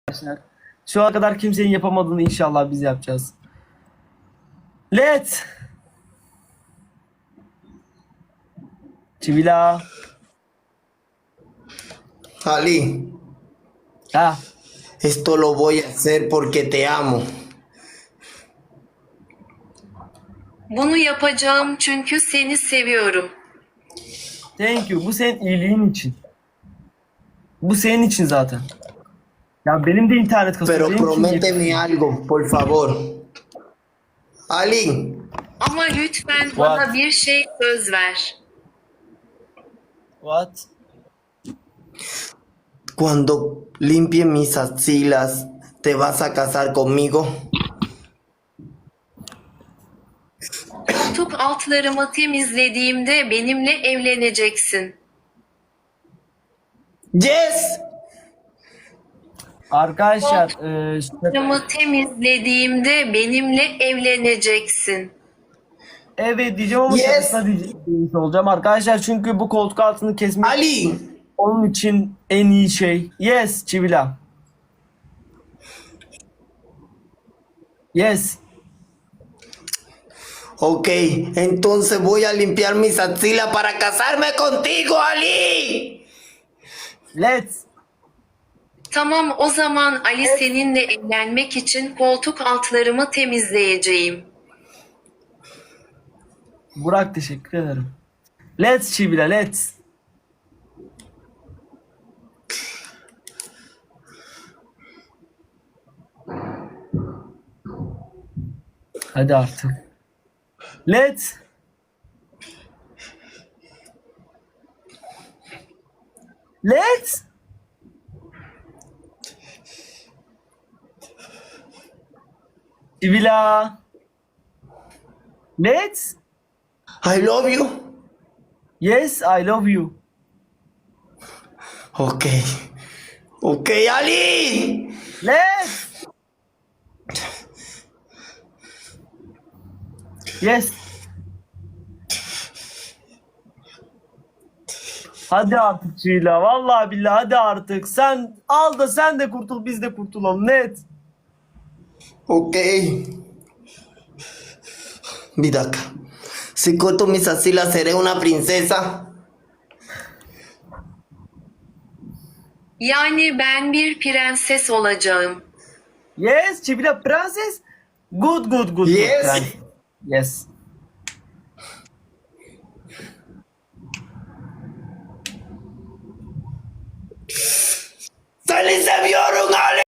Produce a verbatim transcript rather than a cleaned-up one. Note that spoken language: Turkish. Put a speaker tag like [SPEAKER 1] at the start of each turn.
[SPEAKER 1] arkadaşlar. Şu ana kadar kimsenin yapamadığını inşallah biz yapacağız. Let's. Çivila.
[SPEAKER 2] Ali,
[SPEAKER 1] Ha.
[SPEAKER 2] esto lo voy a hacer porque te amo.
[SPEAKER 3] Bunu yapacağım çünkü seni seviyorum.
[SPEAKER 1] Thank you. Bu senin iyiliğin için. Bu senin için zaten. Ya benim de internet kasıyor.
[SPEAKER 2] Pero
[SPEAKER 1] Benim için
[SPEAKER 2] prométeme algo, por favor. Ali,
[SPEAKER 3] Ama lütfen
[SPEAKER 1] What?
[SPEAKER 3] bana bir şey söz ver.
[SPEAKER 1] What?
[SPEAKER 2] cuando limpie mis axilas, ¿te vas a casar conmigo?
[SPEAKER 3] Koltuk altlarımı temizlediğimde benimle evleneceksin.
[SPEAKER 2] Yes.
[SPEAKER 1] Arkadaşlar e, işte-
[SPEAKER 3] Altlarımı temizlediğimde benimle evleneceksin.
[SPEAKER 1] evet diyeceğim ama
[SPEAKER 2] Yes.
[SPEAKER 1] şakasına diyeceğim olacağım arkadaşlar, çünkü bu koltuk altını kesmek
[SPEAKER 2] Ali,
[SPEAKER 1] onun için en iyi şey. Yes Çivila. Yes.
[SPEAKER 2] ok, entonces voy a limpiar mis axilas para casarme contigo, Ali.
[SPEAKER 1] Let's.
[SPEAKER 3] Tamam, o zaman Ali, seninle evlenmek için koltuk altlarımı temizleyeceğim.
[SPEAKER 1] Burak teşekkür ederim. Let's Çivila let's. Hadi artık. Let's. Let's. Çivila. Let's.
[SPEAKER 2] I love you.
[SPEAKER 1] Yes, I love you.
[SPEAKER 2] Ok, ok, Ali.
[SPEAKER 1] Let's. Yes. Hadi artık Çiğla. Vallahi billahi hadi artık. Sen al da sen de kurtul, biz de kurtulalım. Net.
[SPEAKER 2] Ok. Bir dakika. Si corto mis axilas, seré una princesa.
[SPEAKER 3] Yani ben bir prenses olacağım.
[SPEAKER 1] Yes, Çiğla prenses. Good, good, good.
[SPEAKER 2] Yes.
[SPEAKER 1] Good, prenses. Yes.
[SPEAKER 2] ¡Seni seviyorum Ali!